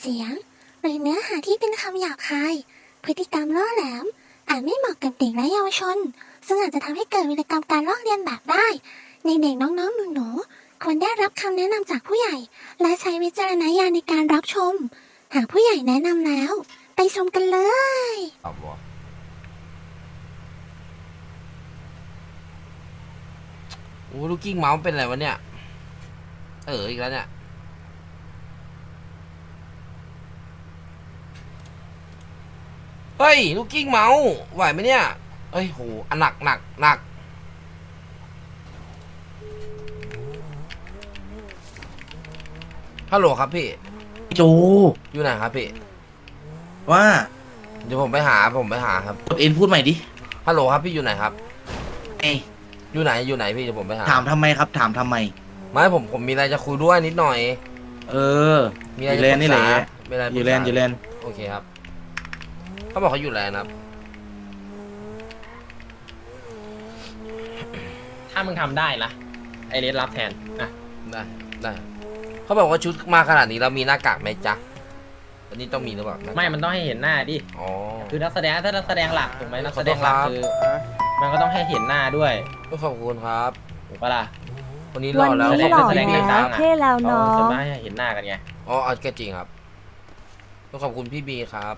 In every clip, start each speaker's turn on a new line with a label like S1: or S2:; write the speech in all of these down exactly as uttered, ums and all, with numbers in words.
S1: เสียงหรือเนื้อหาที่เป็นคำหยาบคายพฤติกรรมล่อแหลมอาจไม่เหมาะกับเด็กและเยาวชนซึ่งอาจจะทำให้เกิดวิกรรมการลอกเลียนแบบได้ในเด็กน้องๆหนูๆควรได้รับคำแนะนำจากผู้ใหญ่และใช้วิจารณญาณในการรับชมหากผู้ใหญ่แนะนำแล้วไปชมกันเลย
S2: โอ้ลูกกิ้งเมาส์เป็นอะไรวะเนี่ยเอออีกแล้วเนี่ยเฮ้ยลูกกิ้งเมาส์ไหวไหมเนี่ยเอ้ยโหอันหนักหนักหนักฮัลโหลครับพี่
S3: จู
S2: อยู่ไหนครับพี่
S3: ว่า
S2: เดี๋ยวผมไปหาผมไปหาครับ
S3: เอ็นพูดใหม่ดิ
S2: ฮัลโหลครับพี่อยู่ไหนครับ
S3: เอ้ย
S2: อยู่ไหนอยู่ไหนพี่เดี๋ยวผมไปหา
S3: ถามทำไมครับ ถามทำไม
S2: ไม่ผมผมมีอะไรจะคุยด้วยนิดหน่อย
S3: เออ
S2: มีอะไร
S3: อยู่
S2: จะ
S3: แล
S2: ป
S3: น
S2: รึ
S3: นี่
S2: ก
S3: แห
S2: ษา
S3: ละ
S2: มีอะไร
S3: อยู่แลน
S2: ปรึกษา
S3: อยู่แลน
S2: โอเคครับเขาบอกเขาอยู่แลนครับ
S4: ถ้ามึงทำได้ละไอเลสรับแทนนะ
S2: ได้ได้เขาบอกว่าชุดมาขนาดนี้เรามีหน้ากากไหมจ๊ะอันนี้ต้องมีหรือเปล่าหน้ากาก
S4: ไม่มันต้องให้เห็นหน้าดิ
S2: อ๋อ
S4: คือนักแสดงถ้านักแสดงหลักถูกไหมนักแสดงหลัก
S2: ขอโทษครับ
S4: คือมันก็ต้องให้เห็นหน้าด้วย
S2: ขอบคุณครับ
S4: ถูกปะล่ะ
S2: วันนี้ร
S5: วั
S2: อน แล้ว
S5: นี้
S2: ขอบ
S5: หล่อ
S2: คุณ
S4: แสดง
S2: พี่
S5: แล้
S2: คว รับ
S5: เท่แล้ว
S4: เขา
S5: เนา
S4: ส่วน
S5: ะ
S4: มากให้เห็นหน้ากันไง
S2: อ๋อก็จริงครับต้องขอบคุณพี่บีครับ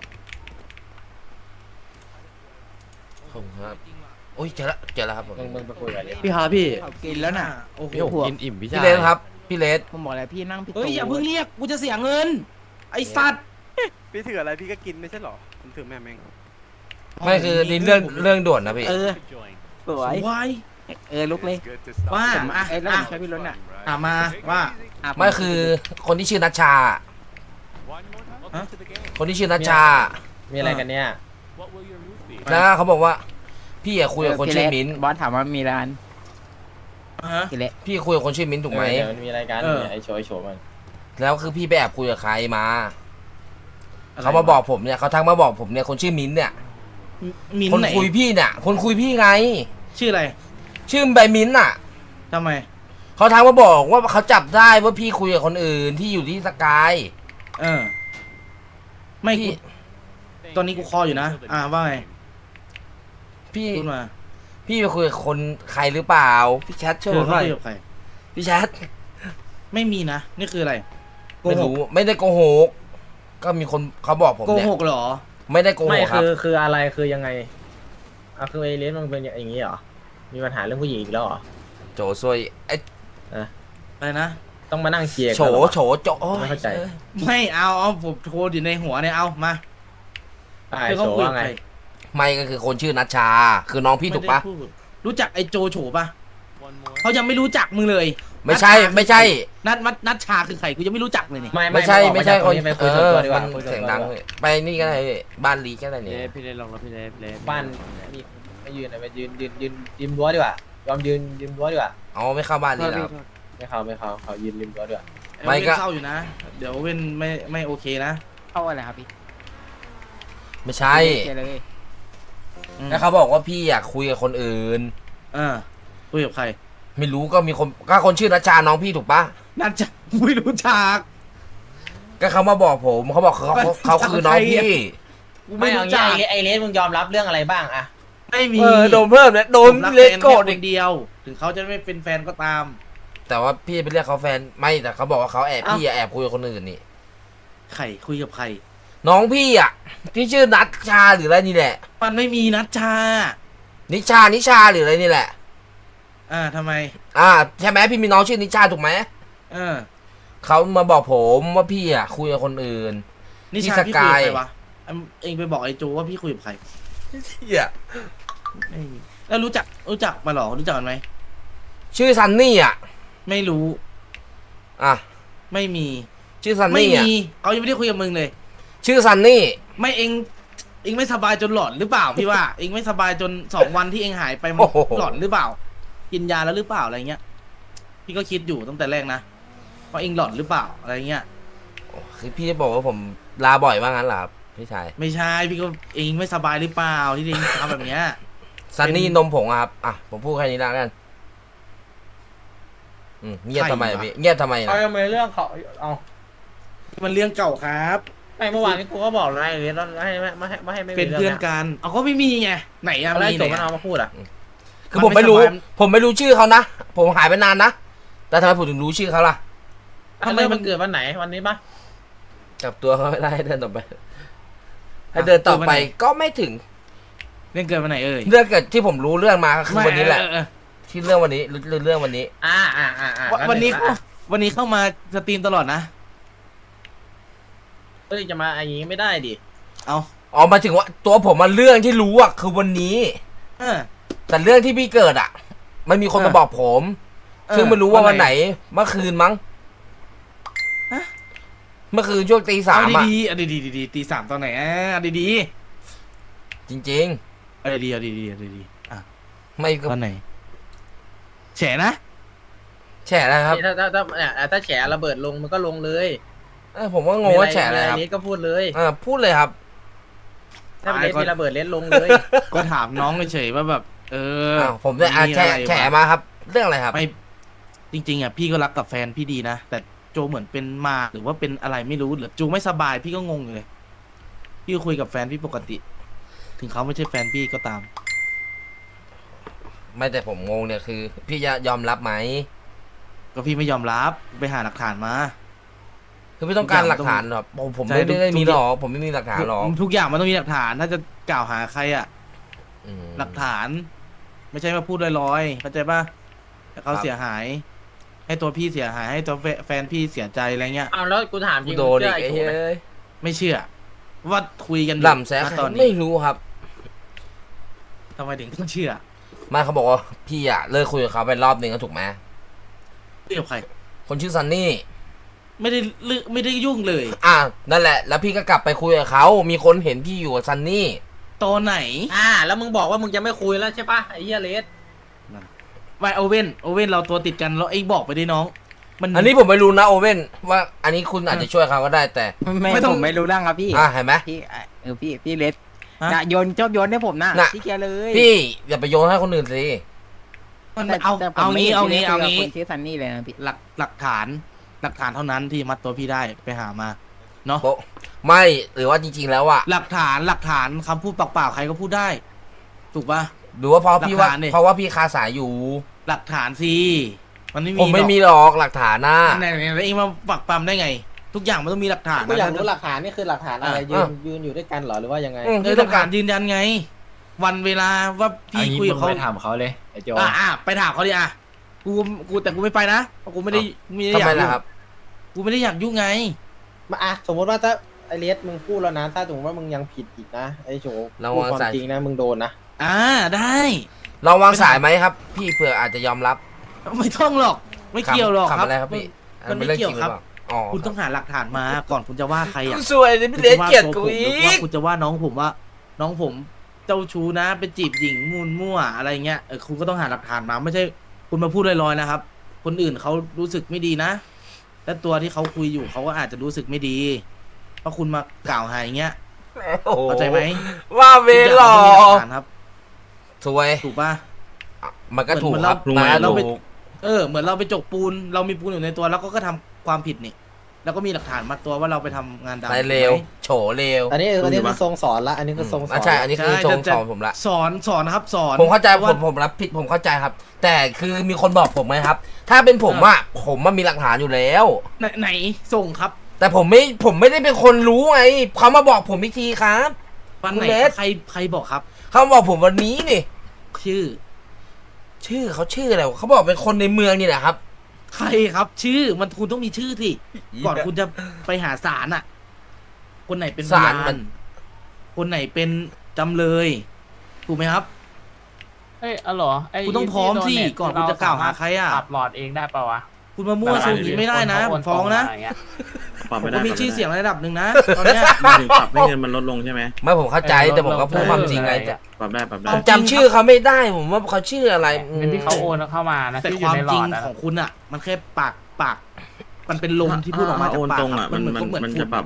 S2: ขอบคุณครับโอ้ยเจอละเจอแล้วครับผม
S4: มึงมึงไปคุยกับเลส
S3: พี่ครับพี่ กินแล้วน่ะ โอ้โห
S6: กินอิ่มพี่
S2: พี่
S6: ชาย
S2: เลสครับพี่เลส
S6: ผมบอกแล้วพี่นั่งผิด
S3: เฮ้ยอย่าเพิ่งเรียก กูจะเสียเงิน ไอ้สัตว์
S7: พี่ถืออะไรพี่ก็กินไม่ใช่หรอ ผมถือแม่แมง
S2: ไม่คือนี่เรื่องเรื่องด่วนนะพี่
S6: เออสวย
S3: วาย
S6: เออลุกเลย
S3: ว่า
S6: อ่ะ
S3: อ่ะ
S6: เอ้ยแล้วผ
S3: อ่ะ
S6: มช่วยพี่รถน่ะ
S3: ถามมาว่า
S6: ะ
S2: ไม่คือคนที่ชื่อนัชชา
S3: ฮะ
S2: คนที่ชื่อนัชชา
S4: มีอะไรกันเนี่ย
S2: แล้วเขาบอกว่า พี่อะคุยกับคนชื่อมิ้นท์
S6: บอสถามว่ามีร้าน
S3: อ่ะฮะ
S6: กี่เละ
S2: พี่คุยกับคนชื่อมิ้นท์ถูกไหม
S4: เออเดี๋ยวมันมีอะไรกัน
S3: เออ
S4: ไอโชว์ไอโชว์มัน
S2: แล้วคือพี่ไปแอบคุยกับใครมาเขามาบอกผมเนี่ยเขาทักมาบอกผมเนี่ยคนชื่อมิ้นท์เนี่ย
S3: มิน
S2: คน
S3: ไหน
S2: คุยพี่เนี่ยคนคุยพี่ไง
S3: ชื่ออะไร
S2: ชื่อใบมิ้นท์น่ะ
S3: ทำไม
S2: เขาทักมาบอกว่าเขาจับได้ว่าพี่คุยกับคนอื่นที่อยู่ที่สกาย
S3: เออ ไม่
S2: พี่
S3: กูตอนนี้กูคออยู่นะ อ่าว่าไง
S2: พี่
S3: พูดมา
S2: พี่ไปคุยกับคนใครหรือเปล่าพี่แชทช่วย
S3: เธ
S2: ผ
S3: อ
S2: มห
S3: เขา
S2: น่อย
S3: คุยกับใคร
S2: พี่แชท
S3: ไม่มีนะ นี่คืออะไร โก
S2: ไม่
S3: หก
S2: รู้ไม่ได้โกหกก็มีคนเขาบอกผม
S3: โก
S2: เนี่ย
S3: หกเหรอ
S2: ไม่ได้โกห
S4: ไม่
S2: กครับ
S4: คือคืออะไรคือยังไงอ่ะคือไอเลสมันเป็นอย่างนี้เหรอมีปัญหาเรื่องผู้หญิงอีกแล้วเหรอ
S2: โจซวยไอ้
S3: อะไรนะ
S4: ต้องมานั่งเคลียร์
S2: โฉ
S4: กันเหรอ
S2: โฉโจโอ้ย
S4: ไม่เข้าใจ
S2: อ้ย
S3: ไม่เอาเอาผมโทรอยู่ในหัวเนี่ย เอามา
S4: ไอโชว์ว่าไง
S2: ไม่ก็คือคนชื่อนัชชา คือน้องพี่ถูกปะ
S3: ไม่ได้พูดรู้จักไอ้โจโฉปะเขายังไม่รู้จักมึงเลย
S2: ไม่ใช่
S3: นัทชา
S2: ไม่ใช่
S3: นัดนัดนัดชาคือใครกูยังไม่รู้จักเลยนี่
S4: ไม่
S2: ไม่ใช่
S4: บอก
S2: ไม่ใช่
S4: า
S2: คน
S4: จากตรงไปคุย
S2: เอ
S4: ส่วน
S2: อ
S4: ตัวดีก
S2: มั
S4: ว่าน คุยส่วน
S2: เสียง
S4: ตัว
S2: ดัง
S4: ดีกว่า
S2: เลยไปนี่ก็ได้บ้านลีก็ได้เนี่ย
S6: พี่เลสลงแล้วพี่เลสเลส
S4: บ้านนี่ไม่ยืนอะไปยืนยืนยืนยืนรั้วดีกว่ายอมยืนยืนรั้วดีกว่า
S2: อ๋อไม่เข้าบ้านลีแล้ว
S4: ไม่เขาไม่เขาเขายืนริมรั้วดีกว่า
S2: ไม่
S3: ไม่
S2: ก็
S3: ก็เศร้าอยู่นะ เดี๋ยวเว้นไม่ไม่โอเคนะ
S6: เข้าอะไรครับพี่
S2: ไม่ใช่
S6: เจเลย
S3: อืม
S2: แล้วเขาบอกว่าพี่อยากคุยกับคนอื่น
S3: เออคุยกับใคร
S2: ไม่รู้ก็มีคนก็คนชื่อนัชชาน้องพี่ถูกปะ
S3: นัดจะไม่รู้จัก
S2: ก็เขามาบอกผมเขาบอกเขาเขาเขาคือน้องพี่
S3: กู
S4: ไม่
S3: ไม่
S4: เอา
S3: รู้
S4: งี้
S3: จัก
S4: ไอเลสมึงยอมรับเรื่องอะไรบ้างอะ
S3: ไม่มี
S2: เออโดนเพิ่มเนี่ยโดน
S3: ผมรัก
S2: เล
S3: แฟ
S2: ส
S3: น
S2: โกรธ
S3: แค่
S2: อี
S3: ค
S2: ก
S3: นเดียว ถึงเขาจะไม่เป็นแฟนก็ตาม
S2: แต่ว่าพี่ไปเรียกเขาแฟนไม่แต่เขาบอกว่าเขาแอบ
S3: เอ้า
S2: พี่อะแอบคุยกับคนอื่นนี่
S3: ใครคุยกับใคร
S2: น้องพี่อ่ะที่ชื่อนัชชาหรืออะไรนี่แหละ
S3: มันไม่มีนัดชา
S2: นิชานิชาหรืออะไรนี่แหละ
S3: อ่าทำไม
S2: อ่าใช่ไหมพี่มีน้องชื่อนิชาถูกไหม
S3: เออ
S2: เขามาบอกผมว่าพี่อ่ะคุยกับคนอื่น
S3: นี่
S2: ที่
S3: ชา
S2: ส
S3: พี่
S2: กา
S3: คุย
S2: ย
S3: กับใครวะอ่ะเองไปบอกไอ้โจว่าพี่คุยกับใคร
S2: เหี้ย
S3: ไม่มีแล้วรู้จักรู้จักมาหรอรู้จักกันไหม
S2: ชื่อซันนี่อ่ะ
S3: ไม่รู้
S2: อ่ะ
S3: ไม่มี
S2: ชื่อซัน
S3: ไม่
S2: นี่อ่ะ
S3: มีเขายังไม่ได้คุยกับมึงเลย
S2: ชื่อซันนี่
S3: ไม่เองเองไม่สบายจนหลอนหรือเปล่าพี่ว่า เองไม่สบายจนสองวันที่เองหายไปมัน
S2: โอ้โห
S3: หลอนหรือเปล่า กินยาแล้วหรือเปล่าอะไรเงี้ย พี่ก็คิดอยู่ตั้งแต่แรกนะว่าเองหลอนหรือเปล่าอะไรเงี้ย
S2: คือพี่บอกว่าผมลาบ่อยว่างั้นเหรอครับพี่ชาย
S3: ไม่ใช่พี่ก็เองไม่สบายหรือเปล่าที่เองทำแบบเนี้ย
S2: ซันนี่
S3: เป็น
S2: นมผงอะครับอ่ะผมพูดแค่นี้แล้วกันอืมเงียบทำไมอะพี่เงียบทำไม
S4: เอา
S2: นะ
S4: ทำไมเรื่องเขาเอา
S3: มันเรื่องเก่าครับ
S4: ไม่เมื่อวานนี้กูก็บอกแล้วไอ้เลสว่าให้ไม่ไม่ให้ไม่ให้ไม่มี
S3: เป็นเพื่อน
S4: รื่ง
S3: กันเอาก็ไม่มีไงไหนอะ
S4: อะไร
S3: มี
S4: จ
S3: ไหน
S4: บมัน
S3: อะ
S4: เอามาพูดอ่ะ
S2: คือผมไม่รู้
S3: มันไม่สบาย
S2: ผมไม่รู้ชื่อเขานะ ผมหายไปนานนะ แต่ทำไมผมถึงรู้ชื่อเขาล่ะ
S4: ทำไมมันเกิดวันไหนวันนี้ปะ
S2: จับตัวเขาไม่ได้ให้เดินต่อไป ให้เดินต่อไปก็ไม่ถึง
S3: เรื่องเกิดวันไหนเอ่ย
S2: เรื่องเกิดที่ผมรู้เรื่องมาก็คือ
S3: ไม่
S2: วันนี้แหละ
S3: เออเออ
S2: ที่เรื่องวันนี้เรื่องเรื่องวันนี้
S4: อ่าอ่าอ่าอ่า
S3: วันวันนี้เข้าวันนี้เข้ามาสตรีมตลอดนะ
S4: เฮ้ยจะมาอย่างงี้ไม่ได้ดิ
S3: เอา
S2: อ๋อหมายถึงว่าตัวผมมาเรื่องที่รู้อ่ะคือวันนี้
S3: เออ
S2: แต่เรื่องที่พี่เกิดอ่ะ มันมีคน
S3: เออ
S2: มาบอกผม
S3: เออ
S2: ซึ่งไม่รู้ว่า
S3: วั
S2: วัน
S3: น
S2: ไห
S3: ไห
S2: น
S3: น
S2: เมื่อคืนมั้ง
S3: ฮะ
S2: เมื่อคืนช่วงตีสาม
S3: เอา
S2: อ่ะ
S3: ดีๆเอาดีๆดีๆตีสามตอนไหนอ่ะเอาดี
S2: จริง
S3: ๆเอาดีๆเอาดีๆเอาดีๆอ่ะ
S2: ๆ ไม่ก็
S3: ตอนไหนแฉนะ
S2: แฉอะไรครับ
S4: ถ้าถ้าถ้าเนี่ยถ้าแฉระเบิดลงมันก็ลงเลย
S2: เออผมก็งงว่าแฉอะไรครับ
S4: มีเลสก็พูดเลย
S2: เออพูดเลยครับ
S4: ถ้าเป็นเลสมีระเบิดเลสลงเลย
S3: ก็ถามน้องเฉยๆว่าแบบ เออ
S2: อ้าวผมได้อ่ะ
S3: มี
S2: แฉ
S3: อะไร
S2: แฉ
S3: วะ
S2: มาครับ เรื่องอะไรครับ
S3: ไม่จริงๆอ่ะพี่ก็รักกับแฟนพี่ดีนะแต่โจเหมือนเป็นมาหรือว่าเป็นอะไรไม่รู้หรือจูไม่สบายพี่ก็งงอยู่เลยพี่ก็คุยกับแฟนพี่ปกติ ถึงเขาไม่ใช่แฟนพี่ก็ตาม
S2: ไม่แต่ผมงงเนี่ยคือ พี่จะยอมรับไหม
S3: ก็พี่ไม่ยอมรับไปหาหลักฐานมา
S2: คือไม่ต้องการหลักฐานหรอกผมผม
S3: ใช่
S2: ไม่
S3: ทุก
S2: ได้
S3: ทุก
S2: มีหรอกผมไม่มีหลักฐานหรอก
S3: ทุกอย่างมันต้องมีหลักฐาน ถ้าจะกล่าวหาใครอ่ะ
S2: อืม
S3: หลักฐาน ไม่ใช่มาพูดลอยๆเข้าใจป่ะแต่เขา
S2: ครับ
S3: เสียหาย ให้ตัวพี่เสียหายให้ตัวแฟแฟนพี่เสียใจอะไรเงี้ย
S4: อ้าวแล้วกูถามจ
S2: กู
S4: ริง
S2: โดนอีก
S4: มึง
S2: ไอ้
S4: เชื่
S2: เฮ้
S4: ไอ้โจไหม
S2: ย
S3: ไม่เชื่อ ว่าคุยกันอยู่
S2: หล่ำแซะ
S3: ณตอน
S2: ไม่
S3: นี้
S2: รู้ครับ
S3: ทำไมถึงต้องเชื่อ
S2: ไมาเขาบอกว่าพี่อะเลิกคุยกับเขาไปรอบหนึ่งก็ถูกไหม
S3: เรื่องใคร
S2: คนชื่อซันนี่
S3: ไม่ได้ลึไม่ได้ยุ่งเลย
S2: อ่ะนั่นแหละ แล้วพี่ก็กลับไปคุยกับเขามีคนเห็นพี่อยู่กับซันนี่
S3: ตอนไหน
S4: อ่า แล้วมึงบอกว่ามึงจะไม่คุยแล้วใช่ปะไอ้เหี้ยเลส
S3: ไวโอเว่นโอเว่นเราตัวติดกันแล้วไอ้บอกไปดิน้อง มัน
S2: อันนี้ผมไม่รู้นะโอเว่นว่าอันนี้คุณอาจจะช่วยเขาก็ได้แต่
S6: ไม่
S3: ไม่ต้อง
S6: ผมไม่รู้เรื่องครับพี่
S2: อ่ะเห็นไหม
S6: พี่อ่ะเออพี่พี่เลส
S3: ฮะ
S6: นะโยนชอบโยนให้ผมนะ
S2: น่ะ
S6: พี่แกเลย
S2: พี่อย่าไปโยนให้คนอื่นสิ
S3: มัน
S6: แต่
S3: เอา
S6: แต่ผม
S3: เอา
S6: ไม่
S3: งี้
S6: ห็น
S3: เอา
S6: พี่
S3: งี้
S6: ลส
S3: เอา
S6: คุยกับ
S3: งี้
S6: คนชื่อซันนี่เลยนะพี่
S3: หลักหลักฐาน หลักฐานเท่านั้นที่มัดตัวพี่ได้ไปหามาเนาะ
S2: โป๊ะไม่หรือว่าจริงๆแล้วอะ
S3: หลักฐานหลักฐานคำพูดเปล่าๆใครก็พูดได้ ถูกปะ
S2: หรือว่าเพราะพี่ว่า
S3: หลักฐานดิ
S2: เพราะว่าพี่คาสายอยู่
S3: หลักฐานสิมันไม่มี
S2: ผมไม่
S3: หรอก
S2: มีหรอกหลักฐานนะ
S3: ไหนไหนไหนเองมาปักปั๊มได้ไง ทุกอย่างมันต้องมีหลักฐาน
S4: กูอยาก
S3: นะ
S4: รู้หลักฐานนี่คือหลักฐานอะไร
S3: อ่ะ
S4: ยืนยืนอยู่ด้วยกันเหรอหรือว่ายังไง
S2: อืม
S3: เออหลักฐานยืนยันไง วันเวลาว่าพี่คุยกับเขา
S5: ไปถามเขาเลยไอ้โจ
S3: อ่ะอ่ะไปถามเขาดิอ่ะกูกูแต่กูไม่ไปนะเพราะกูไม่ได้ไม่ได้
S2: ทำ
S3: อยา
S2: ไม
S3: ก
S2: ล่ะ
S3: ยุ่ง
S2: ครับ
S3: กูไม่ได้อยากยุ่งไง
S4: มาอ่ะสมมติว่าถ้าไอเลสมึงพูดแล้วนะ ถ้าสมมติว่ามึงยังผิดอีกนะไอโจ
S2: ระ
S4: พูด
S2: วัง
S4: ความ
S2: สาย
S4: จริงนะมึงโดนนะ
S3: อ่าได้
S2: ลองวางสายไหมครับ พี่เผื่ออาจจะยอมรับ
S3: ไม่ต้องหรอก ไม่เกี่ยวหรอก
S2: ขำ
S3: ครับ
S2: อะไรครับพี่
S3: มันไม่
S2: ป็นรื่อง
S3: เกี่ยว
S2: จงห
S3: ค
S2: อ
S3: รับ
S2: ปล่าอ๋อ
S3: คุณต้องหาหลักฐานมาก่อนคุณจะว่าใครอ่ะ
S2: สวยเลยพี่เลสเกลียดกู
S3: คุณ
S2: อี
S3: จะว่าตัวผมหรือว่าก คุณจะว่าน้องผมว่า น้องผมเจ้าชู้นะไปจีบหญิงมูลมั่วอะไรเงี้ยเออคุณก็ต้องหาหลักฐานมาไม่ใช่ คุณมาพูดลอยๆนะครับ คนอื่นเขารู้สึกไม่ดีนะ และตัวที่เขาคุยอยู่เขาก็อาจจะรู้สึกไม่ดี เพราะคุณมากล่าวหาอย่างเงี้ย
S2: โอ้โห
S3: เข้าใจไหม
S2: ว่าเวหรอ
S3: ทุกอย่างมันต้องมีหลักฐานครับ
S2: สวย
S3: ถูกป่ะ
S2: มันก็ถูก
S3: เหมือน
S2: ครับ
S3: เรา
S2: มันก็
S3: เราไป
S2: ถูก
S3: เออเหมือนเราไปจกปูน เรามีปูนอยู่ในตัวแล้วก็ก็ทำความผิดนี่ แล้วก็มีหลักฐานมาตัวว่าเราไปทำงานดำ
S2: ไปเร็ว
S3: ถูกไหม
S2: โฉเร็ว
S4: อันนี้อันนี้
S3: ดูดิ
S4: คือ
S3: วะ
S4: ทรงสอนละอันนี้คือทรงสอน
S2: อ่ะใช่ อันนี้คือ
S3: ใช่
S2: ทรง
S3: จะ
S2: สอนผมละ
S3: สอนสอนนะครับ สอน
S2: ผมเข้าใจ
S3: พระ
S2: ผ
S3: ว่
S2: มผมรับผิดผมเข้าใจครับ แต่คือมีคนบอกผมไหมครับ ถ้าเป็นผมอะผมมันมีหลักฐานอยู่แล้ว
S3: ไหนไหนส่งครับ
S2: แต่ผมไม่ผมไม่ได้เป็นคนรู้ไงเขามาบอกผมอีกทีครับ
S3: วัน
S2: คุณ
S3: ไหน
S2: เลส
S3: ใครใครบอกครับ
S2: เขามาบอกผมวันนี้นี่
S3: ชื่อ
S2: ชื่อเขาชื่ออะไรวะเขาบอกเป็นคนในเมืองนี่แหละครับ
S3: ใครครับ ชื่อมันคุณต้องมีชื่อสิก่อนคุณจะไปหาศาลอ่ะ คนไหนเป็นพ
S2: ศาล
S3: ยา
S2: มัน น
S3: คนไหนเป็นจำเลย ถูกไหมครับ
S5: เอ้ยอ๋อเหรอไอ้
S3: คุณต้องพร้อมสิ
S5: ที่โดเต
S3: ก่อนคุณจะกล่าวหาใครอะ
S5: ปรับหลอดเองได้ปะวะ
S3: คุณมามั่วซูมอย่างนี้ไม่ได้นะผมฟ้องนะ
S5: คเขาโตรงมาย่าเงี้ย
S8: ปรับ
S3: ผ
S8: ไม่
S3: ม
S8: ได้
S3: ก็มีชื่อเสียงระดับหนึ่งนะตอนเนี้ย
S8: หมายถึงปรับให้เงินมันลดลงใช่ไหม
S2: ไม่ผมเข้าใจ
S5: เออ
S2: แต่ผมก็พูด
S5: ลดลง
S2: ความจริงไง
S5: เออ
S8: ปรับได้ปรับได้
S3: เอา
S2: จำชื่อเขาไม่ได้ผมว่าเขาชื่ออะไรอืม
S5: เป็นที่เขาโอนเข้ามานะ
S3: แต่
S5: ที่อ
S3: ค
S5: ยู่
S3: วาม
S5: ในหล
S3: จริ
S5: อง ดนะ
S3: ของคุณอ่ะ มันแค่ปากปาก มันเป็นลมที่พูดออกมา
S8: ถ้
S3: จาก
S8: โอน
S3: ปาก
S8: ตรง
S3: อะ
S8: อ่ะมัน
S3: เหมือน
S8: มัน
S3: ก็เหมือน
S8: มัน
S3: ฝุ่
S8: จะ
S3: น
S8: ปรับ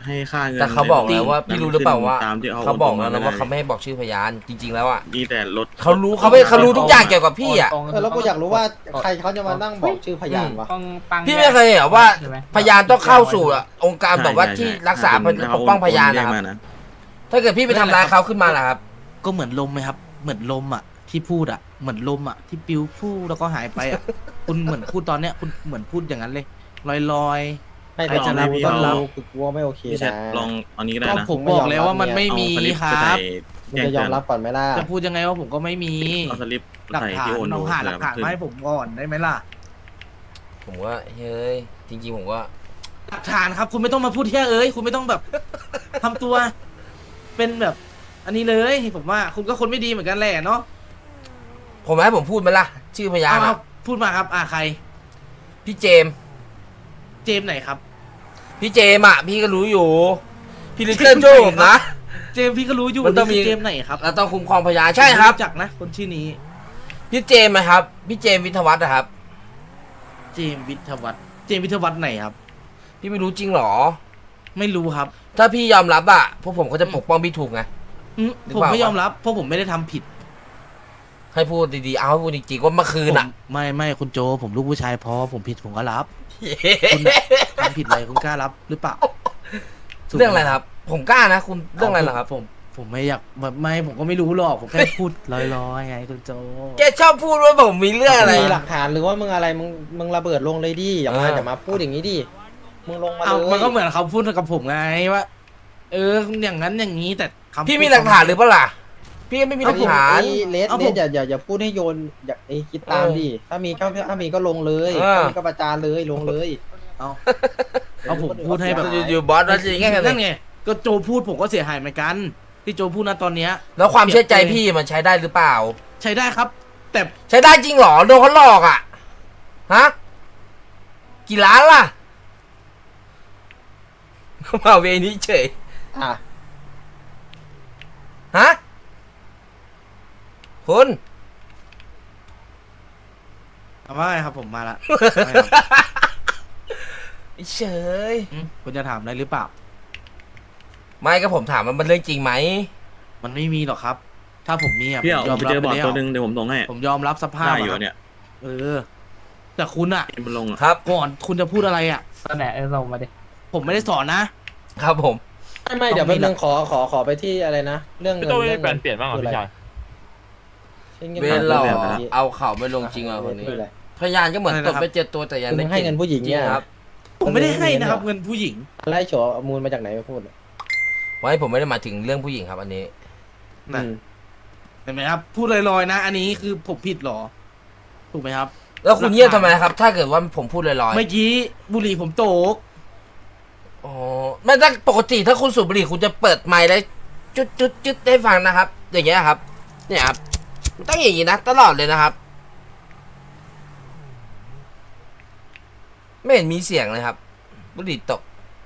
S8: ให้ค่าเงิน
S2: แต่เขาบอกแล้วว่า
S8: ใน
S2: พี่รู้หรือเปล่าว่า
S8: ตามที่เขา
S2: เขาบอกแล้ว
S8: โน
S2: นะ
S8: ม
S2: ว่าเขาไม่ให้บอกชื่อพยานจริง ๆ แล้วอ่ะ
S8: มีแต่รถ
S2: เขารู้เขาไม่เขารู้ทุกอย่างเกี่ยวกับพี่อ่ะ
S5: ตรงๆ
S9: เออแล้วกูอยากรู้ว่าใครเขาจะมานั่งบอกชื่อพยานวะ
S5: ต้องตั้ง
S2: พี่ไม่เคยเห็นเหรอว่า
S5: ใช่ไหม
S2: พยานต้องเข้าสู่องค์การแบบว่า
S8: ใช่
S2: ที่
S8: ใช่
S2: รักษา
S8: ถ้เข
S2: ปกป้องพยาน
S8: โเรี
S2: นะ
S8: ก
S2: ครับ
S8: มานะ
S2: ถ้าเกิดพี่ไปทำร้ายเขาขึ้นมาล่ะครับ
S3: ก็เหมือนลมไหมครับ เหมือนลมอ่ะที่พูดอ่ะเหมือนลมอ่ะที่ปิวฟู่แล้วก็หายไปอ่ะ คุณเหมือนพูดตอนเนี้ยคุณเหมือนพูดอย่างนั้นเลยลอยลอย
S9: ไม่
S3: ใครจะ
S9: แต่
S3: รับ
S9: กู
S3: ก็
S9: ต้อง
S3: รับ
S9: รู้คือกลัวไม่โอเค
S8: พี่แชท
S9: นะ
S8: ลองอันนี้ก็
S3: ๆ
S8: ได้
S3: ก็
S8: นะ
S3: ผมบอกแล้วว่ามันไม่มี
S8: เอาสลิป
S3: ค
S8: ไป
S3: รั
S8: ใส่
S3: บ
S9: มึงจะยอมรับก่อนไหมล่ะ
S3: จะพูดยังไงว่าผมก็ไม่มี
S8: เอาสลิป
S3: หลัก
S8: ใส่
S3: ฐาน
S8: ที่โอน
S3: ล
S8: ดู
S3: องหาหลักฐาน
S8: เผื่อ
S3: มาให้ผมก่อนได้ไหมล่ะ
S2: ผมว่าเฮ้ยจริงๆผมว่า
S3: หลักฐานครับ คุณไม่ต้องมาพูดแค่เอ้ยคุณไม่ต้องแบบ ทำตัว เป็นแบบ อันนี้เลยผมว่าคุณก็คนไม่ดีเหมือนกันแหละเนาะ
S2: ผมให้ผมพูดไหมล่ะ ชื่อพยาน
S3: เอา
S2: อะ
S3: พูดมาครับ อ่าใคร
S2: พี่เจมส์
S3: เจมส์ไหนครับ
S2: พี่เจมส์อ่ะพี่ก็รู้อยู่ พี่ลิตเติ้ลช่วยผมนะ
S3: เจมส์พี่ก็รู้อยู่
S2: มันต้องมี
S3: นี่คืเจมส์ไหนครับ
S2: เราต้องคุ้มครองพยานใช่ครับ
S3: ผมจักนะ คนชื่อนี้
S2: พี่เจมส์นะครับ พี่เจมส์วิทยาวัฒน์นะครับ
S3: เจมส์วิทยาวัฒน์เจมส์วิทยาวัฒน์ไหนครับ
S2: พี่ไม่รู้จริงเหรอ
S3: ไม่รู้ครับ
S2: ถ้าพี่ยอมรับอ่ะพวกผมก็จะปกป้องพี่ถูกไง
S3: อืม
S2: หรือ
S3: ผม
S2: เปล่า
S3: ไม่ยอมรับ เพราะผมไม่ได้ทำผิด
S2: ให้พูดดีๆเอาให้พูดจริงๆว่าเมื่อคืน
S3: ผม
S2: อ่ะ
S3: ไม่ไม่คุณโจ ผมลูกผู้ชายพอผมผิดผมก็รับ คุณน่ะทำผิดอะไรคุณกล้ารับหรือเปล่า
S2: เรื่องอะไรนะครับ ผมกล้านะ คุณเรื่องอะไรเหรอครับ
S3: ผมผมไม่อยากแบบไม่ผมก็ไม่รู้หรอกผมแค่พูดลอยๆไงคุณโจ
S2: แกชอบพูดว่าผมมีเรื่องอะไร
S9: มีหลักฐานหรือว่ามึงอะไรมึงมึงระเบิดลงเลยดิอย่ามา
S2: เออ
S9: อย่ามาพูดอย่างนี้ดิมึงลงมาเล
S3: เอา
S9: ย
S3: มันก็เหมือนเขาพูดกับผมไงว่า เอออย่างนั้นอย่างนี้แต่คำพูด
S2: พี่มีหลักฐานหรือเปล่าล่ะ พี่ก็ไม่มีหลักฐาน
S9: ไอ้เลส
S3: เอา
S9: เล
S3: ผ
S9: ส
S3: ม
S9: อย่าอย่าอย่าพูดให้โยนอย่าไอ้คิดตาม
S2: เออ
S9: ดิถ้ามีก็ถ้ามีก็ลงเลย
S2: เออ
S9: ถ้ามีก็ประจานเลยลงเลย
S3: เอาเอาผมพูดให้แบบ
S2: อยู่ๆบอสว่าจริงไงกันเล
S3: นั่
S2: ย
S3: นไงก็โจพูดผมก็เสียหายเหมือนกัน ที่โจพูดนะตอนเนี้ย
S2: แล้วความเชื่อใจพี่มันใช้ได้หรือเปล่า
S3: ใช้ได้ครับ แต่
S2: ใช้ได้จริงเหรอโดนเขาหลอกอ่ะ ฮะ กี่ล้านล่ะ มาเวนี้เฉย
S9: อ่ะ
S2: ฮะ คุณ
S3: เอาว่าไงครับผมมาละ
S2: เฉย
S3: อืมคุณจะถามอะไรหรือเปล่า
S2: ไม่ก็ผมถามว่ามันเรื่องจริงไหม
S3: มันไม่มีหรอกครับ ถ้าผมมีอ่ะ
S8: พี่เอา
S3: ผมยอม
S8: ไป
S3: รับ
S8: เจอ
S3: ไป
S8: บอร์ด
S3: แล้ว
S8: ตัวหนึ่งเดี๋ยวผมส่งให้
S3: ผมยอมรับสภาพ
S8: ได้อยู่
S3: อะครับ
S8: เนี่ย
S3: เออ แต่คุณอ่ะ
S8: มันลงอ่ะ
S2: ครับ
S3: ก่อนคุณจะพูดอะไรอ่ะ
S5: ตอนไหนเออส่งมาดิ
S3: ผมไม่ได้สอนนะ
S2: ครับผม
S9: ไม่ไม่เดี๋ยวแป๊บนึงขอขอขอไปที่อะไรนะเรื่องเงิน
S5: ต้อง
S9: เรื่อง
S5: แปล
S9: เงิน
S5: นเปลี่ยนบ้างเหรอพี่ชาย
S2: เวรเราเอาเข่าไม่ลงจริงอ่ะคนนี้
S9: คืออะไร
S2: พยานก็เหมือน
S3: อะไร
S2: ต
S3: นะ
S2: บ
S3: ครับ
S2: ไปเจ็ดตัวแต่ยัง
S9: คือมึ
S2: ไม่
S9: งให้เงินผู้หญิง
S2: จริ
S9: เนี่ย
S2: ครับ
S3: ผมไม่ได้ให้นะครับ เงินผู้หญิง
S9: ไล่โฉเอามูลมาจากไหนมาพูดอ่ะ
S2: ไว้ผมไม่ได้หมายถึงเรื่องผู้หญิงครับ อันนี้
S3: นะ
S9: อืม
S3: เห็นไหมครับ พูดลอยๆนะ อันนี้คือผมผิดเหรอ ถูกไหมครับ
S2: แล้วคุณเงียบทำไมครับ ถ้าเกิดว่าผมพูดลอย
S3: เมื่อกี้บุหรี่ผมโตก
S2: ๆอ๋อไม่ถ้าปกติถ้าคุณสูบบุหรี่คุณจะเปิดไมค์แล้วจุดจุดจุดให้ฟังนะครับ อย่างเงี้ยครับ เนี่ยครับมันต้องอย่างนี้นะตลอดเลยนะครับ ไม่เห็นมีเสียงเลยครับ บุหรี่ตก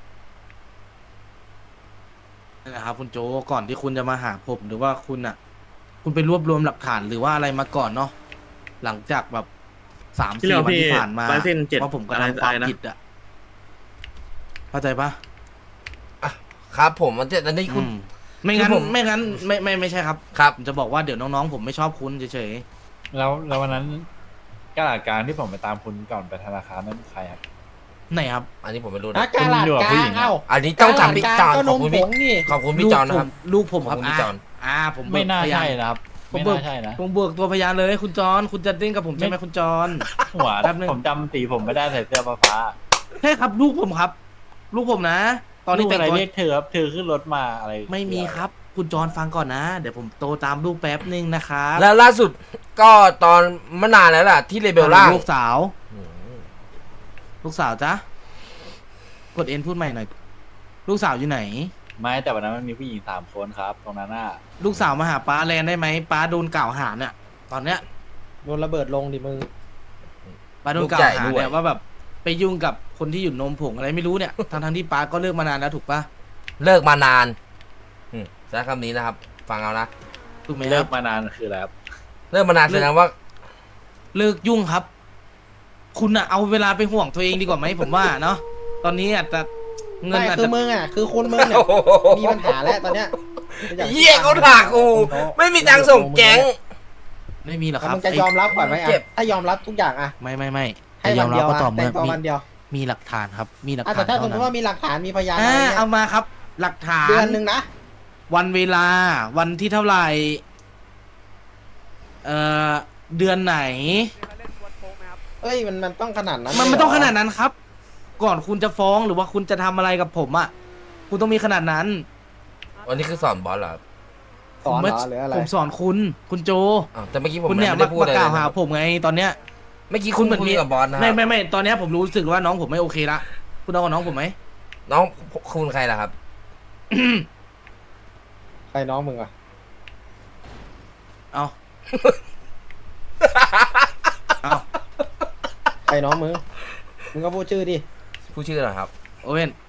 S3: นั่นแหละครับคุณโจก่อนที่คุณจะมาหาผมหรือว่าคุณอ่ะ คุณไปรวบรวมหลักฐานหรือว่าอะไรมาก่อนเนาะหลังจากแบบสาม
S8: ที่
S3: สี่
S8: เรา
S3: วัน
S8: พี่
S3: ที่ผ่านมา
S8: ลายเส้นเจ็ด
S3: ว่าผมกระ
S8: อะไร
S3: ทำความ
S8: อะไรนะ
S3: ผิดอ่ะเข้าใจปะ
S2: ครับผมมันจะอันนี้คุณ
S3: อืมไม่งั้น
S2: คือผม
S3: ไม่งั้นไม่ไม่ไม่ใช่ครับ
S2: ครับ
S3: ผมจะบอกว่าเดี๋ยวน้องๆผมไม่ชอบคุณเฉย
S5: แล้วแล้ววันนั้นกระดาษกลางที่ผมไปตามคุณก่อนไปธนาคารนั้นใครครับ
S3: ๆไหนครับ
S2: อันนี้ผมไม่รู้
S9: อ่ะ
S2: นะ
S9: กาลาด
S5: คุณอยู่กับ
S9: ก
S5: ผู้
S9: ลา
S5: หญิ
S9: ง
S5: งอะ
S9: เอ้า
S2: อันนี้ต้องถามพี่จอน
S9: ก็
S2: ข
S9: น
S2: อบ
S9: ม
S2: คุณ
S9: ผ
S2: พี่
S9: งนี่
S2: ขอบคุณพี่จอนนะครับ
S3: ลูกผมครับ
S2: ขอบคุณพี่จอน
S3: อ่าผม
S5: ไม่น่า
S3: เบิกพย
S5: ใช่นะครับ
S3: ผม
S5: ไม่
S3: เบิก
S5: น่าใช่นะ
S3: ผมเบิกตัวพยานเลยคุณจอนคุณจะเล่นกับผมใช่ไหมคุณจอน
S5: หัว
S3: แป๊บนึง
S5: ผมจำสีผมไม่ได้ใส่เสื้อฟ้า
S3: ใช่ครับลูกผมครับ ลูกผมนะ
S5: ๆ
S3: ตอนนี้
S5: ลูก
S3: แต่ง
S5: อะไร
S3: ตัว
S5: เรียกเธอครับเธอขึ้นรถมาอะไร
S3: ไม่มีครับ คุณจอนฟังก่อนนะ เดี๋ยวผมโตตามลูกแป๊บนึงนะครับ
S2: แล้วล่าสุดก็ตอนเมื่อนานแล้วล่ะ ที่เลเบลล่าง
S3: ลูกสาว ลูกสาวจ๊ะกดเอ็นพูดใหม่หน่อย ลูกสาวอยู่ไหน
S5: ไม่แต่วันนั้นมันมีผู้หญิงสามคนครับ ตรงนั้นน่ะ
S3: ลูกสาวมาหาป้าแลนได้ไหมป้าโดนกล่าวหาเนี่ยตอนเนี้ย
S9: โดนระเบิดลงดิมึง
S3: ป้าโดนกล่าวหาเนี่ยว่าแบบไปยุ่งกับคนที่อยู่นมผงอะไรไม่รู้เนี่ย ทั้งทั้งๆที่ป้าก็เลิกมานานแล้วถูกปะ
S2: เลิกมานานอืมใช้คำนี้นะครับ ฟังเอานะ
S3: ถูกไหมค
S5: เลิ
S3: รั
S5: ก
S3: บ
S5: มานานคืออะไรครับ
S2: เลิกมานานแสดงว่า
S3: เลิกยุ่งครับ คุณอะเอาเวลาไปห่วงตัวเองดีกว่าไหมผมว่าเนาะตอนนี้อาจจะเงิน
S9: ไม่
S3: อาจ
S9: คือ
S3: จะ
S9: มึงอ่ะคือคุณมึงเนี่ยมีปัญหาแล้วตอนเนี้ย
S2: เหี้ยเขาถากกูไม่มีตังค์ส่งแก๊ง
S3: ไม่มีหรอกค
S9: แล้ว
S3: รับ
S9: มึงจะยอมรับก่อนไหม
S2: เจ็
S9: อ่ะ
S2: บ
S9: ถ้ายอมรับทุกอย่างอ่ะ
S3: ไม่ไม่ไม่
S9: ให้
S3: จะย
S9: วั
S3: อน ม
S9: เดี
S3: รับ
S9: ยว
S3: ก็
S9: อ่ะ
S3: ต่อ
S9: แต่
S3: เมื่อง
S9: ตัว
S3: มี
S9: วันเดียว
S3: มีหลักฐานครับ มีหลัก
S9: อ่ะ
S3: ฐา
S9: แต่
S3: น
S9: ถ้าส
S3: เท่าม
S9: ม
S3: นั้
S9: ติ
S3: น
S9: ว่ามีหลักฐานมีพยานอะไร
S3: อ่า
S9: เงี้
S3: เอา
S9: ย
S3: มาครับ หลักฐาน
S9: เดือนหนึ่งนะ
S3: วันเวลา วันที่เท่าไหร่เอ่อเดือนไหน
S7: เล่นวันโป๊กไหมครับ
S9: เอ้ยมันมันต้องขนาดนั้น
S3: มันไม่
S9: เลยเหร
S3: ต้องขนาดนั้นครับ ก่อนคุณจะฟ้องหรือว่าคุณจะทำอะไรกับผมอ่ะคุณต้องมีขนาดนั้น
S2: วันนี้คือสอนบอสเหรอครับ
S9: สอนเหรอ
S3: ผม
S9: หรืออะไร
S3: ผมสอนคุณ คุณโจ
S2: อ้าวแต่เมื่อกี้ผม
S3: คุณ
S2: ไม่
S3: เนี่ย
S2: ได้
S3: มา
S2: พูด
S3: มา
S2: อะไร
S3: ก
S2: เล
S3: ล่าวย หา
S2: นะครับ
S3: ผมไงตอนเนี้ย
S2: เมื่อกี้
S3: คุ
S2: คุณ
S3: ณเหมือน
S2: คุย
S3: มี
S2: กับบอสนะค
S3: ไม่
S2: รับ
S3: ไม่ไม่ตอนเนี้ยผมรู้สึกว่าน้องผมไม่โอเคละคุณเอากับน้องผมไหม
S2: น้องคุณใครล่ะครับ
S9: ใครน้องมึงอ่ะ
S3: เอาเอา
S9: ใครน้องมึงมึงก็พูดชื่อดิ
S2: ผู้ชื่ออะไรครับ
S3: โอเว่น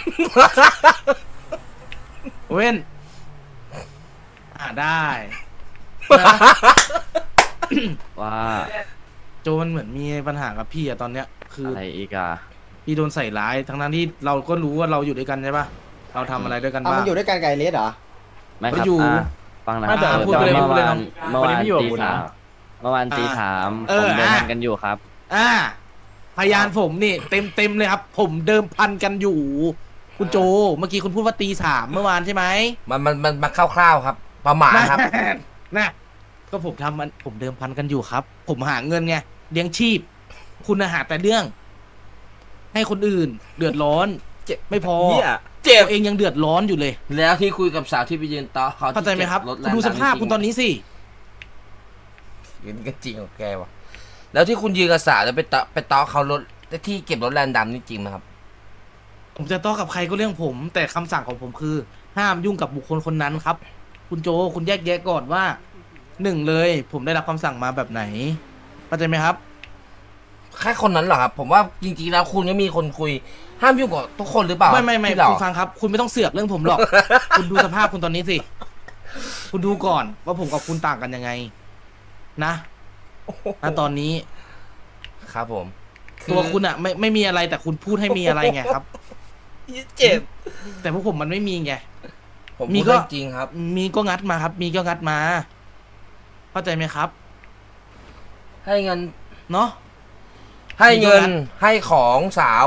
S3: โอเว่นอ่าได้นะ
S10: ว่า
S3: โจมันเหมือนมีปัญหากับพี่อะตอนเนี้ย คือ
S10: อะไรอีกอะ
S3: พี่โดนใส่ร้ายทั้งนั้นที่เราก็รู้ว่าเราอยู่ด้วยกันใช่ปะเราทำอะไรด้วยกัน
S9: เอา
S3: บ้า
S9: มั
S3: ง
S9: นอยู่ด้วยกันไกบไอ้เลสเหรอ
S10: ไม่ครับ
S3: ก็อยู่
S10: อ่ะฟังนะค
S3: ไม่
S10: รับ
S3: แต่พูดไปเลย
S10: เมื่
S3: พูด
S10: อ
S3: เลย
S10: วา
S3: น้
S10: น
S3: อง
S10: เมื่อวาน
S5: วันนี้ไม่อยู่กับ
S10: ตี
S5: คุณ
S10: สา
S5: นะ
S10: มเมื่อวานตี
S3: อ่า
S10: สาม
S3: เอ
S10: ผ
S3: อ
S10: มเดิน
S3: อ่ะ
S10: ทางกันอยู่ครับ
S3: อ่าพยานผมนี่เต็มเต็มเลยครับ ผมเดิมพันกันอยู่ คุณโจ เมื่อกี้คุณพูดว่าตีสามเมื่อวานใช่ไหม
S2: มันมันมันมาคร่าวๆครับ ประมาณครับ
S3: นะก็ผมทำมันผมเดิมพันกันอยู่ครับ ผมหาเงินไงเลี้ยงชีพ คุณน่ะหาแต่เรื่อง ให้คนอื่น เดือดร้อน
S2: เจ็บ
S3: ไม่พอ
S2: เหี้ยเจ็บ
S3: ตัวเองยังเดือดร้อนอยู่เลย
S2: แล้วที่คุยกับสาวที่ไปยืนโต๊ะเขาที่
S3: เข้าใจไหมครับ
S2: เก็รถ
S3: คุณดูสภาพคุณตอนนี้สิ
S2: ยืนก็จริงของแกวะแล้วที่คุณยืนกับสาวแล้วไปโต๊ะไปโต๊ะเขารถที่เก็บรถแลนด์ดำนี่จริงไหมครับ
S3: ผมจะต้องกับใครก็เรื่องผม แต่คำสั่งของผมคือ ห้ามยุ่งกับบุคคลคนนั้นครับ คุณโจคุณแยกแยะก่อนว่าหนึ่งเลย ผมได้รับคำสั่งมาแบบไหนเข้าใจไหมครับ
S2: แค่คนนั้นเหรอครับ ผมว่าจริงๆแล้วคุณก็มีคนคุย ห้ามยุ่งกับทุกคนหรือเปล่า
S3: ไม่ไม่ไม่
S2: ที่หรอ
S3: คุณฟังครับ คุณไม่ต้องเสือกเรื่องผมหรอก คุณดูสภาพคุณตอนนี้สิ คุณดูก่อนว่าผมกับคุณต่างกันยังไง นะณตอนนี้
S2: ครับผม
S3: ตัวคุณอะไม่ไม่มีอะไรแต่คุณพูดให้มีอะไรไงครับ
S2: เจ็บ
S3: แต่พวกผมมันไม่มีไง
S2: ผม
S3: มี
S2: มี
S3: ก็
S2: ก็จริงครับ
S3: มีก็งัดมาครับ มีก็งัดมา เข้าใจไหมครับ
S2: ให้เงิน
S3: เนาะ
S2: ให้เงิน
S3: มีก็งั้น
S2: ให้ของสาว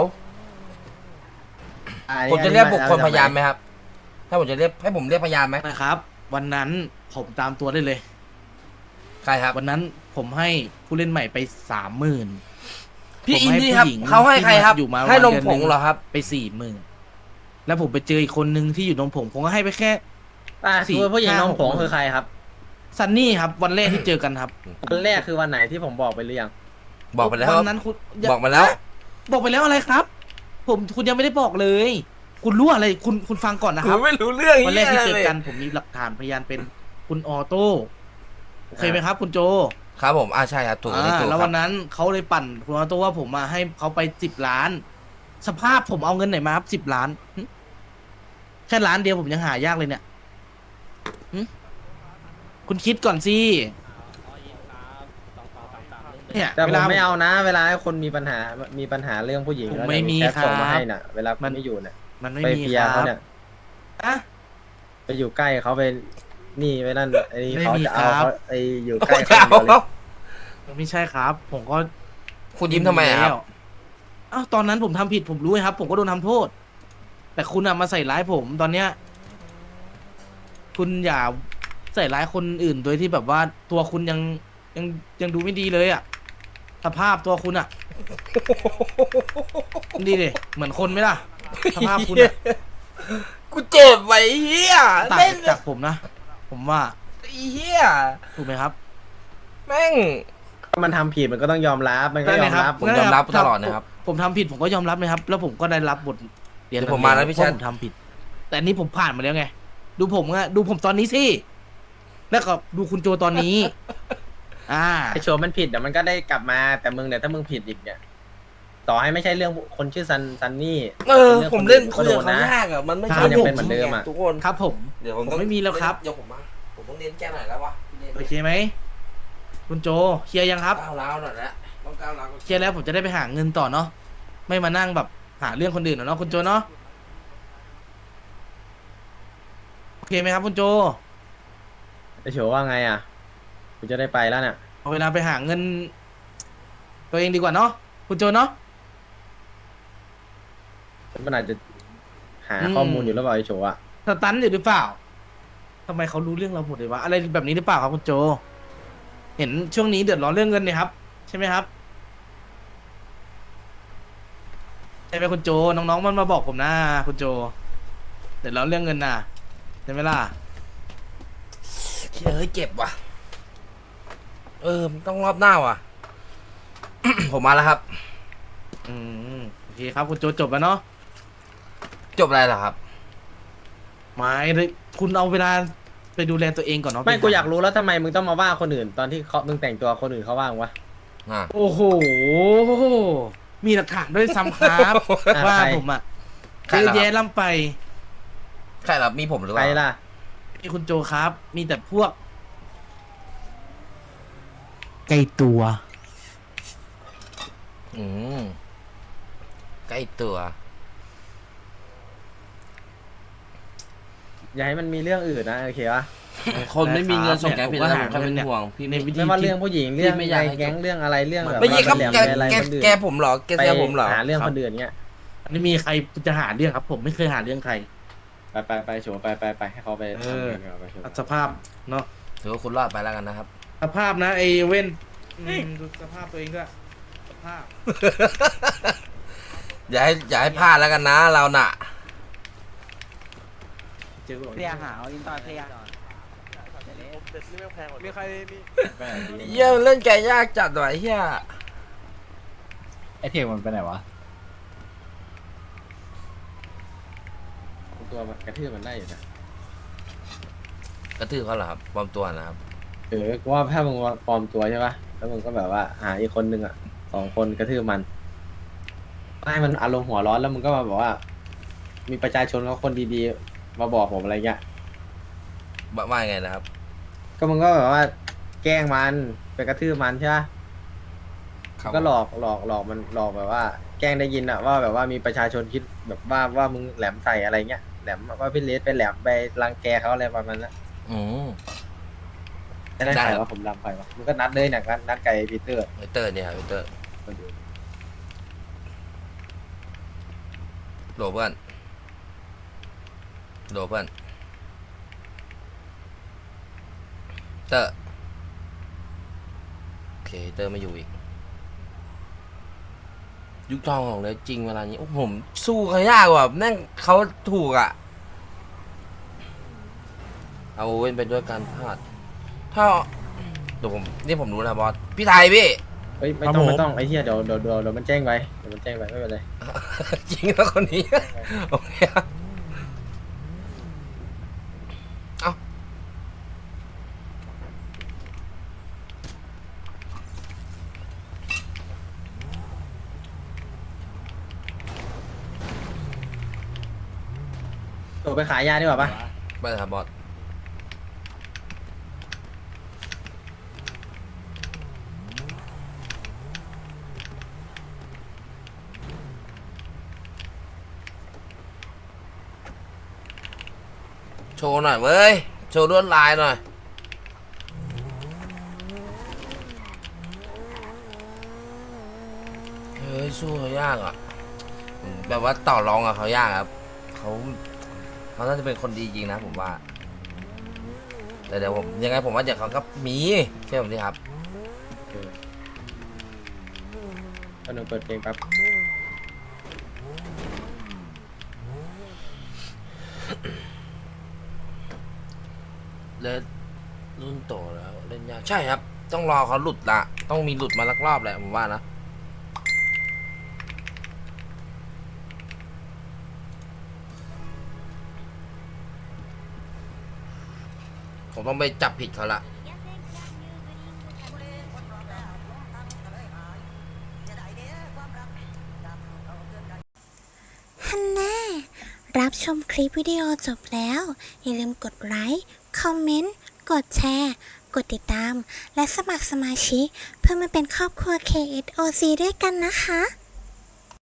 S9: อ่า
S2: ผมจะเรียกบุคคลพยานไหมครับ ถ้าผมจะเรียกให้ผมเรียกพยานไหม
S3: นะครับ วันนั้นผมตามตัวได้เลย
S2: ใครครับ
S3: วันนั้นผมให้ผู้เล่นใหม่ไปสามหมื่น
S2: พี่
S3: ผม
S2: อิน
S3: ให้
S2: ดี้ครับ
S3: ผู้หญิง
S2: เขาให้ใครครับ
S3: ที่อยู่มา
S2: ให้นม
S3: วันเดือน
S2: ผง
S3: หนึ่ง
S2: เหรอครับ
S3: ไปสี่หมื่นแล้วผมไปเจออีกคนนึงที่อยู่นมผงผมก็ให้ไปแค่
S9: อ่า
S3: สี่
S9: คือผู้หญิง
S3: ห้า
S9: น้อง
S3: หก
S9: ผง
S3: หมื่น
S9: คือใครครับ
S3: ซันนี่ครับ วันแรกที่เจอกันครับ
S9: วันแรกคือวันไหนที่ผมบอกไปหรือยัง
S2: บอกไปแล้ว
S3: วันนั้นคุณ
S2: บอกมาแล้ว
S3: บอกไปแล้วอะไรครับ ผมคุณยังไม่ได้บอกเลย คุณรู้อะไรคุณคุณฟังก่อนนะครับ
S2: ไม่รู้เรื่อง
S3: วันแรกที่เจอ
S2: หี้ย
S3: กันผมมีหลักฐานพยานเป็นคุณออโต้โอเคไหมครับ คุณโจ
S2: ครับผมอ่าใช่ครับถูกอันนี้
S3: อ่า
S2: ถูก
S3: แล้ว
S2: ครั
S3: วั
S2: บ
S3: นนั้นเขาเลยปั่นคุณออโต้ว่าผมมาให้เขาไปสิบล้าน สภาพผมเอาเงินไหนมาครับสิบล้านหึแค่ล้านเดียวผมยังหายากเลยเนี่ยหึคุณคิดก่อนสิเนี่ย
S9: แต่
S3: เว
S9: ผม
S3: ลา
S9: ไม่เอานะ เวลาให้คนมีปัญหา มีปัญหาเรื่องผู้หญิง
S3: ผม
S9: แล้ว
S3: ไม่มี
S9: แชทส่ง
S3: ครับ
S9: มาให้น่ะ เวลา
S3: มัน
S9: ไม่อยู่เนี่ย
S3: มันไม่
S9: ไป
S3: มี
S9: เฟี
S3: ค
S9: ย
S3: รั
S9: เขา
S3: บ
S9: เนี่ย
S3: อะ
S9: ไปอยู่ใกล้เขาไป นี่ไปนั่นไอ้นี่
S3: ไม่
S9: เขา
S3: มี
S9: จะเอา
S3: ครับ
S9: เขาไอ้อยู่ใก
S2: โอ้
S9: ล้
S2: ย
S9: เขาอย่างเดียวเลย
S3: ไม่ใช่ครับ ผมก็
S2: คุณยิ้มทำไมอะครับ
S3: แล้วอ้าวตอนนั้นผมทำผิดผมรู้ครับ ผมก็โดนทำโทษ แต่คุณอะมาใส่ร้ายผมตอนเนี้ย คุณอย่าใส่ร้ายคนอื่นโดยที่แบบว่าตัวคุณยังยังยังดูไม่ดีเลยอะสภาพตัวคุณอะดีดิเหมือนคนไหมล่ะ สภาพคุณอะ
S2: กูเจ็บไว้เฮีย
S3: ต่าง
S2: เล่น
S3: จากผมนะ ผมว่า
S2: ไอ้เฮีย
S3: ถูกไหมครับ
S2: แม่ง
S9: ถ้ามันทำผิดมันก็ต้องยอมรับ มันก็
S3: นั่น
S9: ย
S3: ไง
S9: อม
S3: ครับ
S9: รับ
S2: ผมยอมรับตลอดนะครับ
S3: ผมทำผิดผมก็ยอมรับนะครับ แล้วผมก็ได้รับบทเรียน
S2: เดี๋ยวผมมานะพี่ชัด
S3: เพรผมทำผิด แต่อันนี้ผมผ่านมาแล้วไง ดูผมอะดูผมตอนนี้สิ แล้วก็ดูคุณโจตอนนี้ อ่า
S9: ไอโชว์มันผิดเดี๋ยวมันก็ได้กลับมา แต่มึงเนี่ยถ้ามึงผิดอีกเนี่ย ต่อให้ไม่ใช่เรื่องคนชื่อซันซันนี่
S2: เออ
S9: รื่อง
S2: ผมเล่น
S9: ค
S2: คุย
S9: อื่
S2: กับ
S9: ก็โด
S2: เขา
S9: นนะ
S2: ยากอะมันไม่
S3: ครั
S2: ใช่
S3: บ
S9: ยังเป็นเหมือนเดิมอะ
S2: ทุกคน
S3: ครับผม
S2: เดี๋ยวผม
S3: ผม
S2: ต้อง
S3: ไม่มีแล้วครับ
S2: เดี๋ยวผมมาผมต้องเรียนแก้หน่อยแล้ววะ
S3: โอเคไหม คุณโจ เคลียร์ยังครับ
S2: ก้าวร้าวหน่อยแล้วต้องก้าวร้าว
S3: เคลียร์แล้วผมจะได้ไปหาเงินต่อเนาะ ไม่มานั่งแบบหาเรื่องคนอื่นเนาะคุณโจเนาะโอเคไหมครับคุณโจ
S9: ไอโฉว่าไงอ่ะกูจะได้ไปแล้วเนี่ย
S3: เอาเวลาไปหาเงิน ตัวเองดีกว่าเนาะคุณโจเนาะ
S9: มันอาจจะหา
S3: อืม
S9: ข้อมูลอยู่แล้วเปล่าไอโฉอ่ะ
S3: สตันอยู่หรือเปล่าทำไมเขารู้เรื่องเราหมดเลยวะอะไรแบบนี้หรือเปล่าครับคุณโจ เห็นช่วงนี้เดือดร้อนเรื่องเงินเนี่ยครับ ใช่ไหมครับใช่ไหมคุณโจน้องๆมันมาบอกผมนะคุณโจเดือดร้อนเรื่องเงินน่ะใช่ไหมล่ะ
S2: เฮ้ยเจ็บว่ะ เออมันต้องรอบหน้าว่ะ ผมมาแล้วครับ
S3: อืมโอเคครับคุณโจจบแล้วเนาะ
S2: จบอะไรเหรอครับ
S3: ไม่เลยคุณเอาเวลาไปดูแลตัวเองก่อนเนาะ
S9: ไม่กูอยากรู้แล้วทำไมมึงต้องมาว่าคนอื่นตอนที่เขามึงแต่งตัวคนอื่นเขาว่างวะ
S2: อ่า
S3: โอ้โหมีหลักฐานด้วยซ้ำครับ
S9: อ่ะ
S3: ว่า
S9: ใคร
S3: ผมอ่ะ
S2: ใคร
S3: เย
S2: เหรอ
S3: อะ
S2: ครับ
S3: แยะล่ำไป
S2: ใครเหรอมีผมหรือเป
S9: ใคร
S2: ล่า
S9: ล่ะ
S3: มีคุณโจครับ มีแต่พวกไกลตัว
S2: อืมใกล้ตัว
S9: อย่าให้มันมีเรื่องอื่นนะโอเคปะ
S2: คนไม่มีเงินส่งแก
S3: เนี่ย
S2: ผิด
S3: ผมก็
S2: แล้ว
S3: หา
S2: ผมแค่เป็น
S3: เงินเนี่ย
S2: ห่วงพี่
S3: ใน
S2: ไม่
S3: วิธี
S9: ไม่ว่าเรื่องผู้หญิงเรื่อง
S2: ไม่อยาก
S9: ใน
S2: ให้
S9: แก๊งเรื่องอะไรเรื่องแบบ
S2: ไม่ใช่ครับ
S9: ว่า
S2: แก
S9: แหลมๆอะไร
S2: แก
S9: คนอื่น
S2: แกผมเหรอแก
S9: ไป
S2: แกผมเหรอ
S9: หาเรื่องคนอื่นเงี้ย
S3: ไม่มีใครจะหาเรื่องครับ ผมไม่เคยหาเรื่องใคร
S9: ไปไปไปโฉไปไปไปให้เขาไป
S3: เออ
S9: ทำงานก่อนไปโฉ
S3: สภาพเนาะ
S2: ถือว่าคุณรอดไปแล้วกันนะครับ
S3: สภาพนะไอเว้นอืมดูสภาพตัวเองด้วยสภาพ
S2: อย่าให้อย่าให้พลาดแล้วกันนะเราน่ะ
S3: เจอ
S6: เรียหาเอาอินตอร์เทีย
S7: มีใครมี
S2: เยี่ยมเล่นแกยากจัดหน่อยเฮีย
S5: ไอเทคมันไปไหนวะ
S9: ตัวมันกระทืบมันได้อยู่นะ
S2: กระทืบเขาเหรอครับปลอมตัวนะครับ
S9: เออกูว่าถ้ามึงปลอมตัวใช่ปะแล้วมึงก็แบบว่าหาอีกคนนึงอ่ะสองคนกระทืบมันให้มันอารมณ์หัวร้อนแล้วมึงก็มาบอกว่า มีประชาชนเขาคนดีๆ มาบอกผมอะไรเงี้ย
S2: ว่าว่าไงนะครับ
S9: ก็มึงก็แบบว่า แกล้งมันไปกระทืบมันใช่ปะก็หลอกหลอกหลอกมันหลอกแบบว่า แกล้งได้ยินอะว่าแบบว่ามีประชาชนคิดแบบว่าว่ามึงแหลมใส่อะไรเงี้ยแหลมว่าพี่เลสไปแหลมไปรังแกเขาอะไรประมาณนั้น
S2: อืม
S9: จะได้
S2: ได้
S9: ใคร
S2: ครับ
S9: ว่าผมรำใครวะมึงก็นัดเลยเนี่ยนัดนัดไก่ปีเตอร์
S2: ไอเตอร์เนี่ยครับไอเตอร์โหลเพื่อนโหลเพื่อนเตอร์โอเคเตอร์ไม่อยู่อีก ยุคทองของเลยจริงเวลานี้โอ้ผมสู้เขายากกว่านั่งเขาถูกอ่ะ เอาเว้นไปด้วยการพลาด ถ้าเดี๋ยวผมนี่ผมรู้นะบอสพี่ไทยพี่
S9: เฮ้ยไม่ต้องไม่ต้องไอ้เหี้ยเดี๋ยวเดี๋ยวเดี๋ยวเดี๋ยวมันแจ้งไปเดี๋ยวมันแจ้งไปไม่เป็นไร
S2: จริงแล้วคนนี้ โอเคครับเอา
S9: ตัวไปขายยาดีกว่าปะ
S2: ไปเลยครับบอสโชว์หน่อยเว้ย โชว์ลวดลายหน่อย เฮ้ย สู้เขายากอ่ะ แบบว่าต่อรองกับเขายากครับ เขาเขาน่าจะเป็นคนดีจริงนะผมว่า แต่เดี๋ยวผมยังไงผมว่าเดี๋ยวเขาก็มีเชื่อผมดิครับ
S9: ก็หนูเปิดเพลงแป๊บ
S2: เล่นรุ่นโตแล้วเล่นยากใช่ครับ ต้องรอเขาหลุดละต้องมีหลุดมาลักรอบแหละผมว่านะ ผมต้องไปจับผิดเขาละ
S1: ฮันน่ารับชมคลิปวิดีโอจบแล้ว อย่าลืมกดไลค์ คอมเมนต์ กดแชร์ กดติดตาม และสมัครสมาชิกเพื่อมาเป็นครอบครัว เค เอส โอ ซี ด้วยกันนะคะ